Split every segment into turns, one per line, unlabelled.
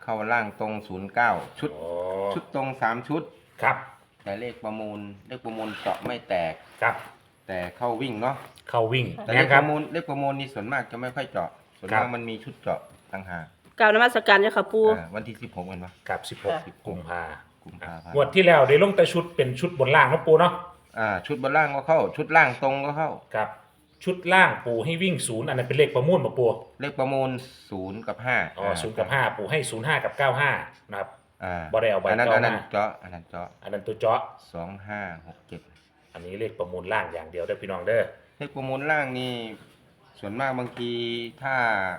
เข้าล่างตรง09ชุด
โอ้
ชุดตรง3ชุด
ครับ
แต่เลขประมูลเจาะไม่แตก
ครับ
แต่เข้าวิ่งเนาะ
เข้าวิ่ง
แต่
แม่นครับ
เลขประมูลนี่ส่วนมากจะไม่ค่อยเจาะส่วน
ครั
มาก
บ
มันมีชุดเจาะต่างหาก
กล่าวนมัสการเจ้าค่ะปู
วันที่16เห็นปะ
กับ16กุมภา
กุมภาพัน
งวด
ธ์
ที่แล้วได้ลงแต่ชุดเป็นชุดบนล่างนะปูเนาะ
ชุดบนล่างก็เข้า ชุดล่างตรงก็เข้า
ครับชุดล่างปูให้วิ่ง0อันนั้นเป็นเลขประมูลมาปู
เลขประมูล0กับ5
อ๋อ0กับ5ปูให้05กับ95นะครับ บ่ได้เอาใบ
อันนั้น
เจาะ
อันนั้น
มา
เจาะอันนั้นเจาะ
อันนั้นตัวเจาะ
2567
อันนี้เลขประมูลล่างอย่างเดียวเด้อพี่น้องเด้อ
เลขประมูลล่างนี่ส่วนมากบางทีถ้า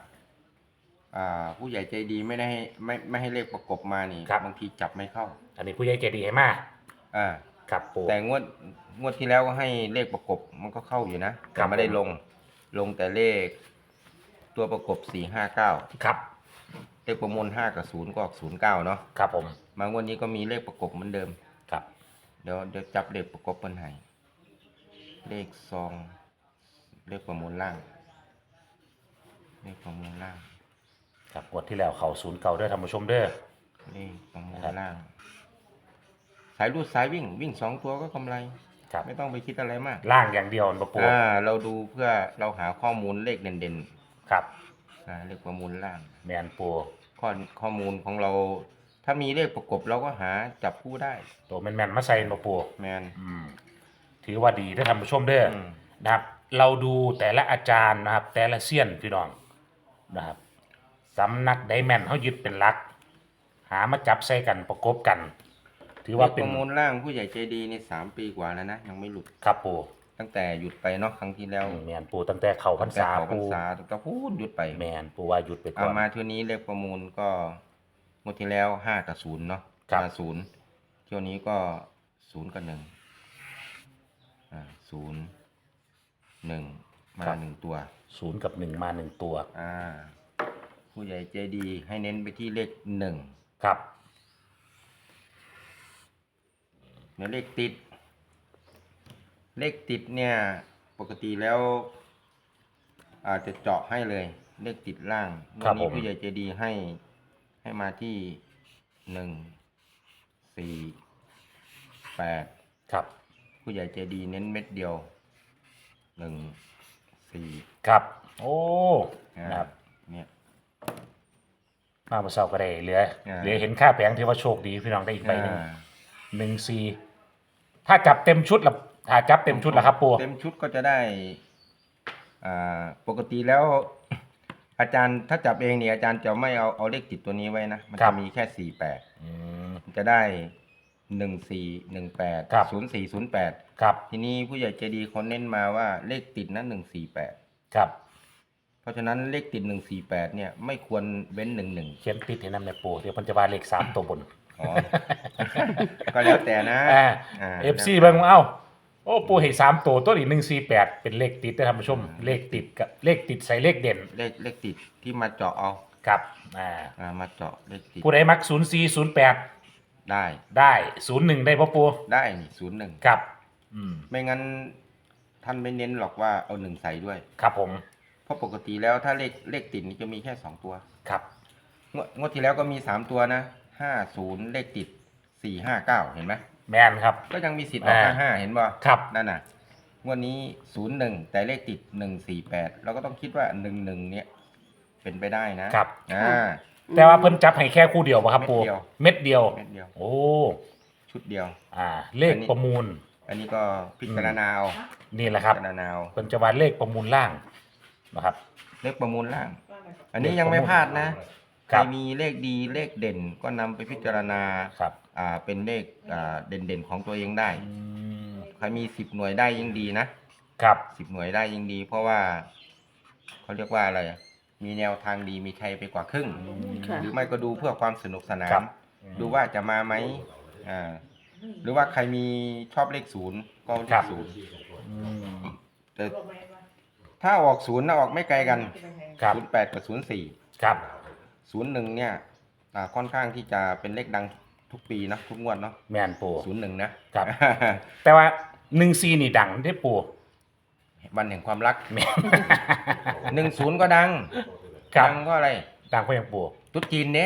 ผู้ใหญ่ใจดีไม่ได้ให้ไม่ให้เลขประกบมานี่บางทีจับไม่เข้า
อันนี้ผู้ใหญ่ใจดีให้มา
อ่า
ครับปู
แต่งวดที่แล้วก็ให้เลขประกบมันก็เข้าอยู่นะ
ครั
แต่
บ
ไม่ได้ลงแต่เลขตัวประกบ459
ครับ
เลขประมูล5กับ0ก็ออก09เนาะ
ครับผม
มางวดนี้ก็มีเลขประกบเหมือนเดิม
ครับ
เดี๋ยวจับเลขประกบเปิ้นให้เลขซองเลขประมูลล่างเลขประมูลล่าง
ครับงวดที่แล้วเขา0เก่าเด้อท่านผู้ชมเด้อ
เลขประมูลล่าง สายรูดสายวิ่ง2ตัวก็กำไร
ครับ
ไม่ต้องไปคิดอะไรมาก
ล่างอย่างเดียวนะปู
เราดูเพื่อเราหาข้อมูลเลขเด่น
ครับ
ๆเลขประมูลล่าง
แมนปู
ข้อมูลของเรา ถ้ามีเลขประกบเราก็หาจับคู่ได้
ตัวแมนๆมาใส่นะปู
แมน
ถือว่าดีได้อท่านผู้ชมเด้ออ
ม
นะครับ เราดูแต่ละอาจารย์นะครับ แต่ละเซียนพี่น้องนะครับสำนักไดแมนเขายึดเป็นหลัก หามาจับใส่กันประกบกัน ถือ
เล
ว่า
ข
เป็
ป
น
ระมูลล่างผู้ใหญ่ใจดีใน3 ปีกว่าแล้วนะยังไม่หลุด
ครับปู
ตั้งแต่หยุดไปเนาะครั้งที่แล้ว
แมนปูตั้งแต่เขาพรรษา
ตั้งแต่เข้พร
ปู
รษาตั้งแต่พูดหยุดไป
แมนปูว่าหยุดไปก่
เอา
อน
มาเที่ยวนี้เลขประมูลก็งวดที่แล้ว5กับ0เนาะ
ครับ
0เที่ยวนี้ก็0กับ1 0 1มา1ตัว
0กับ1มา1ตัว
ผู้ใหญ่ใจดีให้เน้นไปที่เลข1
ครับ
เดี๋ยวเลขติดเนี่ยปกติแล้วอาจจะเจาะให้เลยเลขติดล่าง
ครับ
นี้
ผม
ผู้ใหญ่ใจดีให้มาที่1 4 8
ครับ
ผู้ใหญ่ใจดีเน้นเม็ดเดียว1 4
ครับ โอ้นะครับ
เนี่ย
มาเมื่อเช้าก็ได้เหลือ
อ่า
เหลือเห็นค่าแผงที่ว่าโชคดีพี่น้องได้อีกใบหนึ่ง
อ่า
1-4ถ้าจับเต็มชุดละถ้าจับเต็มชุดละครับปู
เต็มชุดก็จะได้ปกติแล้ว อาจารย์ถ้าจับเองเนี่ยอาจารย์จะไม่เอาเลขติดตัวนี้ไว้นะมันจะมีแค่48
อืม
มันจะได้1418
ครับ
0408
ครับ
ทีนี้ผู้ใหญ่ใจดีเขาเน้นมาว่าเลขติดนั้น148
ครับ
เพราะฉะนั้นเลขติด148เนี่ยไม่ควรเว้น11
เขียนติดให้นำในปูเดี๋ยวมันจะว่าเลข3ตัวบน
อ๋อ ก็แล้วแต่นะ
FC เบิ่งเอ้าโอ้ปูให้3ตัวตัวนี้148เป็นเลขติดนะท่านผู้ชม เลขติดกับเลขติดใส่เลขเด่น
เลขติดที่มาเจาะเอา
ครับ
มาเจาะเลขติด
ผู้ใดมัก0408
ได้
ได้01ได้บ่ปู
ได้นี่01
ครับ
ไม่งั้นท่านไม่เน้นหรอกว่าเอา1ใส่ด้วย
ครับผม
เพราะปกติแล้วถ้าเลขติดนี่จะมีแค่2ตัว
ครับ
งวดที่แล้วก็มี3ตัวนะ50เลขติด459เห็นไหม
แมนครับ
ก็ยังมีสิทธิ์ออก55เห็นบ่
ครับ
นั่นน่ะงวดนี้01แต่เลขติด148เราก็ต้องคิดว่า11เนี่ยเป็นไปได้นะครับ
แต่ว่าเพิ่นจับให้แค่คู่เดียวป่ะครับปู
เม็ดเดียว
เม็ดเดียว
เม็ดเดียว
โอ้
ชุดเดียว
เลขประมูล
อันนี้ก็พิจารณาเอา
นี่แหละครับ
พิจารณาเอา
เพิ่นจะว่าเลขประมูลล่างนะครับ
เลขประมูลล่าง อันนี้ยังไม่พลาดนะ
ค
ใคร
รับ
มีเลขดีเลขเด่นก็นำไปพิจารณา
ครับ
เป็นเลขเด่นๆของตัวเองได้
อืม
ใครมี10หน่วยได้ยิ่งดีนะครับ 10หน่วยได้ยิ่งดี เพราะว่าเขาเรียกว่าอะไรมีแนวทางดีมีชัยไปกว่าครึ่ง
ค่ะ
หรือไม่ก็ดูเพื่อความสนุกสนา
ครั
น
บ
ดูว่าจะมาไหมหรือว่าใครมีชอบเลข0ก็เลข0
อืม
แต่ถ้าออก0นะออกไม่ไกลกัน
ครับ
08กับ04
ครับ
01เนี่ยค่อนข้างที่จะเป็นเลขดังทุกปีนะทุกงวดเนาะ
แมนปู
01นะครับ
แต่ว่า14นี่ดังได้ปู
วันแห่งความรัก
แมน
10ก็ดัง
ครับ
ดังก็อะไร
ดังเพราะหยังปู
ตุ๊ดจีนเนี่ย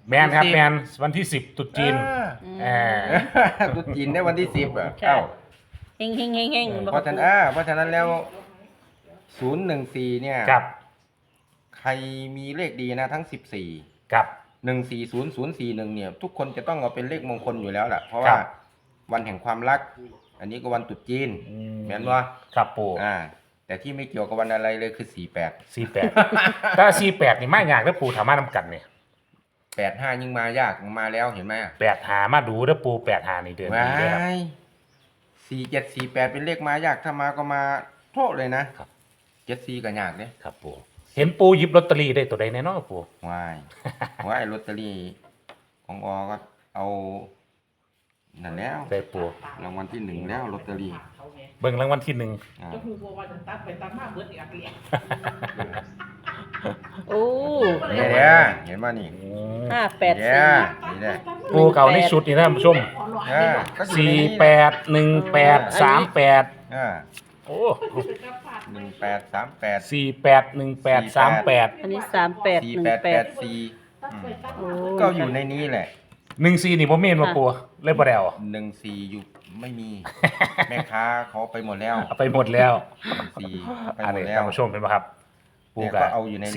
แมนครับแมนวันที่10ตรุษจีน
อ่า ตรุษจีนได้วันที่10อ่ะ
ค่ะ
เอ้า
เฮงเฮงเฮงเฮง
เพราะฉะนั้นเพราะฉะนั้นแล้ว014เนี่ย
ครับ
ใครมีเลขดีนะทั้ง14
ครับ
140041เนี่ยทุกคนจะต้องเอาเป็นเลขมงคลอยู่แล้วแหละเพราะ
ครั
ว่า
บ
วันแห่งความรัก อันนี้ก็วันตรุษจีน
อืม
แม่นว่า
ครับปู
แต่ที่ไม่เกี่ยวกับวันอะไรเลยคือ48
48ถ้า48นี่มากยากแล้วปูถามมานำกันเนี่ย
85ยิ่งมายากมาแล้วเห็นไหม
8หามาดูแล้วปู8หานี่เดือน
ว้า
นี้เลยครับ
ย4748เป็นเลขมายากถ้ามาก็มาโทษเลยนะครับ 74ก็ยากเด้
ครับปูเห็นปูหยิบลอตเตอรี่ได้ตัวใดแน่นอนปู
ว้ายลอตเตอรี่ของอก็เอานั่นแล้ว
ได้ปู
รางวัลที่1แล้วลอตเตอรี่
เบิ่งรางวัลที่
อ่า
จะพูดว่าจะตัดไปตัดมาเบิดอีกอักเลีย
โอ้
เนี่ยเด้อเห็นป่ะนี่
1อืม
เนี่
584
ยนี่แหละ
ปูเก่าในชุดนี่นะท่านผู้ชม
ก็อยู่ในนี้
48 18 38
อ่า
โอ้
1838
48 18 38
อันนี้
4884
โอ้
ก็อยู่ในนี้แหละ
14นี่บ่แม่นบ่ปูเลยบ่ได้เอา
14อยู่ไม่มี แม่ค้าเขาไปหมดแล้ว
เอาไปหมดแล้ว
14ไป
อัน
หม
นี้
ดแล้ว
ท่านผู้ชมเห็นไหมครับปู
เนี่ย
กั
ก็เอาอยู่ในนี้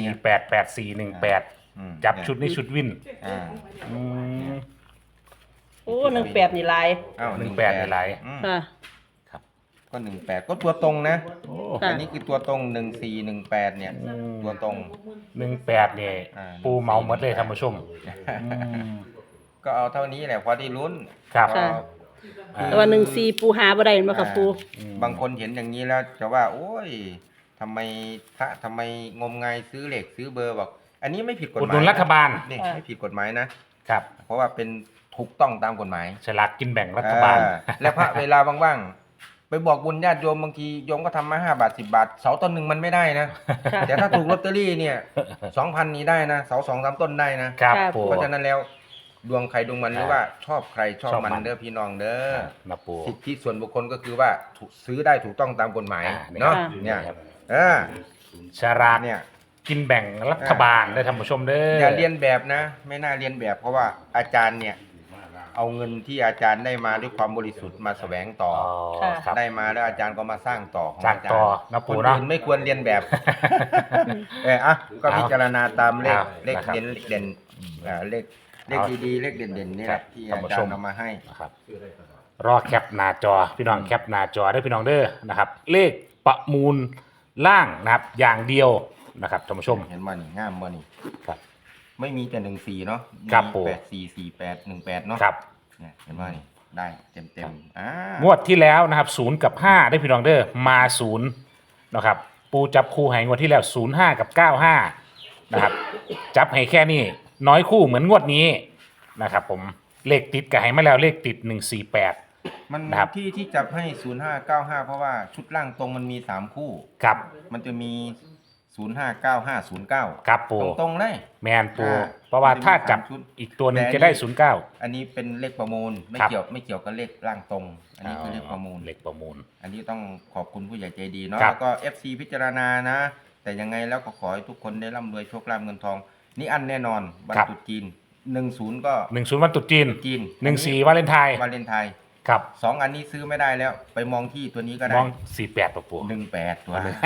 488418
อืม
จับชุดนี้ชุดวิน
อ่า
อืม
โอ้18นี่ลาย
อ้าว
18ในไลน์
อืม
ค่ะ
ก็18ก็ตัวตรงนะ
โอ้
ค่ะ
อันนี้คือตัวตรง1418เนี่ย ตัวตรง
18เนี่ย
อ่า
ปูเมาหมดเลยท่านผู้ชมอืม
ก็เอาเท่านี้แหละพอได้ลุ้น
ครับ
ก็
ค่ะ แต่ว่า14ปูหาบ่ได้แม่นบ่ครับปู
บางคนเห็นอย่างนี้แล้วจะว่า โอ้ยทำไมทำไมงมงายซื้อเหล็กซื้อเบอร์บอกอันนี้ไม่ผิดกฎ
อุด
ห
หนุ
มาย
นรัฐบาล
นี่
ค่ะ
ไม่ผิดกฎหมายนะ เพราะว่าเป็นถูกต้องตามกฎหมาย
ฉลากกินแบ่งรัฐบาล
และพระเวลาว่างๆไปบอกบุญญาติโยมบางทีโยมก็ทำมา5 บาท 10 บาท เสาต้นหนึ่งมันไม่ได้นะ
ค่ะ
แต่ถ้าถูกลอตเตอรี่เนี่ย 2,000นี้ได้นะเสา2-3 ต้นได้นะ
ครับ
ค่ะ
ปู
เพราะฉะนั้นแล้วดวงใครดวงมันหรือว่าชอบใครชอบ
ชอบ
มัน
มัน
เด้อพี่น้องเด้อ
นะปู
สิทธิส่วนบุคคลก็คือว่าซื้อได้ถูกต้องตามกฎหมาย
นี่
เนาะ
ครับ
เนี่ย
ครับ ฉลาก
เนี่ย
กินแบ่งรัฐบาลได้ท่านผู้ชมเด้อ
อย่าเรียนแบบนะ ไม่น่าเรียนแบบเพราะว่าอาจารย์เนี่ย เอาเงินที่อาจารย์ได้มาด้วยความบริสุทธิ์มาแสวงต่อ
อ๋อ
ค่ะ
ครับ
ได้มาแล้วอาจารย์ก็มาสร้างต่อของ
สร้างต่อ
จ
นะปู่
คน
เนาะ
อื่นไม่ควรเรียนแบบ ก็พิจารณาตามเลข
เอา
เลข
นะครับ
เด่นเลขเด่นเลข
เอา
ดีๆเลขเด่นๆนี่แห
ครั
ละ
บ
ที่
ท่าน
อา
ผู้
จา
ช
ร
ม
ย์เอามาให้
นะครับรอแคปหน้าจอพี่น้องแคปหน้าจอได้พี่น้องเด้อนะครับ เลขประมูลล่างนะครับอย่างเดียวนะครับท่านผู้ชม
เห็นมานี่งามมานี่
ครับ
ไม่มีแต่14เนาะ
ครับ
มี
ปู่
844818เนาะ
ครับ
เนี่ยเห็นมานี่ได้เต็มๆ
งวดที่แล้วนะครับ0กับ5ได้พี่น้องเด้อมา0นะครับปูจับคู่ให้งวดที่แล้ว05กับ95นะครับจับให้แค่นี้น้อยคู่เหมือนงวดนี้นะครับผมเลขติดกับให้มาแล้วเลขติด148
มัน
นะครับ
ที่จับให้0595เพราะว่าชุดล่างตรงมันมี3คู่
ครับ
มันจะมี059509
ครับปู
ตรงๆเลย
แมนปูเพราะว่าถ้าจับอีกตัวหนึ่งจะได้09
อันนี้เป็นเลขประมูลไม่
ครับ
เกี่ยวกับเลขร่างตรง อันนี้คือเลขประมูล
เลขประมูล
อันนี้ต้องขอบคุณผู้ใหญ่ใจดีเนาะ
ครับ
แล้วก็ FC พิจารณานะ แต่ยังไงแล้วก็ขอให้ทุกคนได้ร่ำรวยโชคลาภเงินทอง นี่อันแน่นอนวันตรุษจีน10ก็
10วันตรุษจีน
จีน
14วาเลนไทน์
วาเลนไทน์
ครับ
2 อันนี้ซื้อไม่ได้แล้ว ไปมองที่ตัวนี้ก็
ม
ได้
อง48ปะปู
18ตัวเลย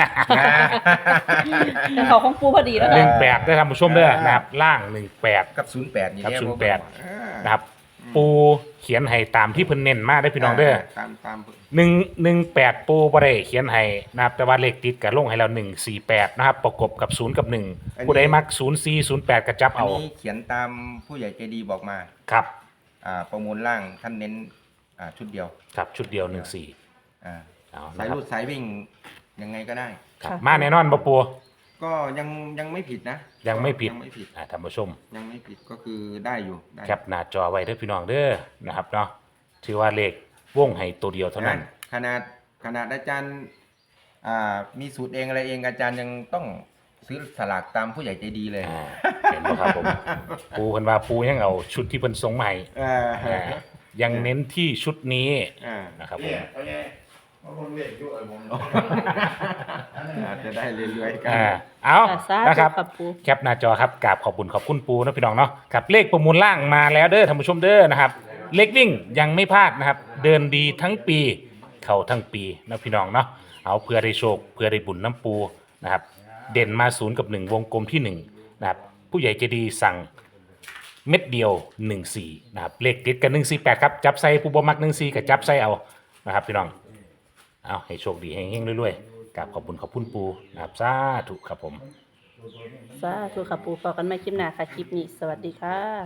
แต่เขาของปูพอดีแล้ว
ห
ค่ะ
นึ่งแปดได้ท่านผู้ชมเด้อนะครับล่าง18
กับ08นี่
ครับ
แหละ
08 นะครับ ปูเขียนให้ตามที่เพิ่นเน้นมาได้พี่น้องเด้อ
ตาม
118ปูบ่ได้เขียนให้นะครับแต่ว่าเลขติดกับลงให้เรา148นะครับประกบกับ0กับ1ผู้ใดมัก04 08ก็จับ
อัน
เอา
นี้เขียนตามผู้ใหญ่ใจดีบอกมา
ครับ
ประมูลล่างท่านเน้นชุดเดียว
ครับชุดเดียว14
อ่า
เอา
สาย
นะครับ
รูดสายวิ่งยังไงก็ได้
ครับมาแน่นอนบ่ปู
ก็ยังไม่ผิดนะ
ยังไม่ผิด
ยังไม่ผิด
ท่านผู้ชม
ยังไม่ผิดก็คือได้อยู่ได้
แคปหน้าจอไว้เด้อพี่น้องเด้อนะครับเนาะถือว่าเลขวงให้ตัวเดียวเท่านั้น
ขนาดอาจารย์มีสูตรเองอะไรเองอาจารย์ยังต้องซื้อสลากตามผู้ใหญ่ใจดีเลย
อ่าเห็นบ่ครับผมปูเพิ่นว่าปูยังเอาชุดที่เพิ่นส่งมาให้
อ่า
อ่ายังเน้นที่ชุดนี้
อ่า
นะครับผม
อาจจะได้เรื่อยๆกัน
เอา
ค่ะสาธุ
นะครับ
ครับปู
แคปหน้าจอครับกราบขอบคุณปูนะพี่น้องเนาะครับเลขประมูลล่างมาแล้วเด้อท่านผู้ชมเด้อนะครับเลขวิ่งยังไม่พลาดนะครับ เดินดีทั้งปีเข้าทั้งปีนะพี่น้องเนาะเอาเพื่อได้โชคเพื่อได้บุญน้ำปูนะครับเด่นมา0 กับ 1 วงกลมที่1นะครับผู้ใหญ่ใจดีสั่งเม็ดเดียว14นะครับเลขติดกัน148ครับจับใส่ผู้บ่มัก14กับจับใส่เอานะครับพี่น้องเอาให้โชคดีเฮงๆรวยๆกราบขอบคุณปูนะครับสาธุครับผม
สาธุค่ะปูพอกันไม่คลิปหน้าค่ะคลิปนี้สวัสดีค่ะ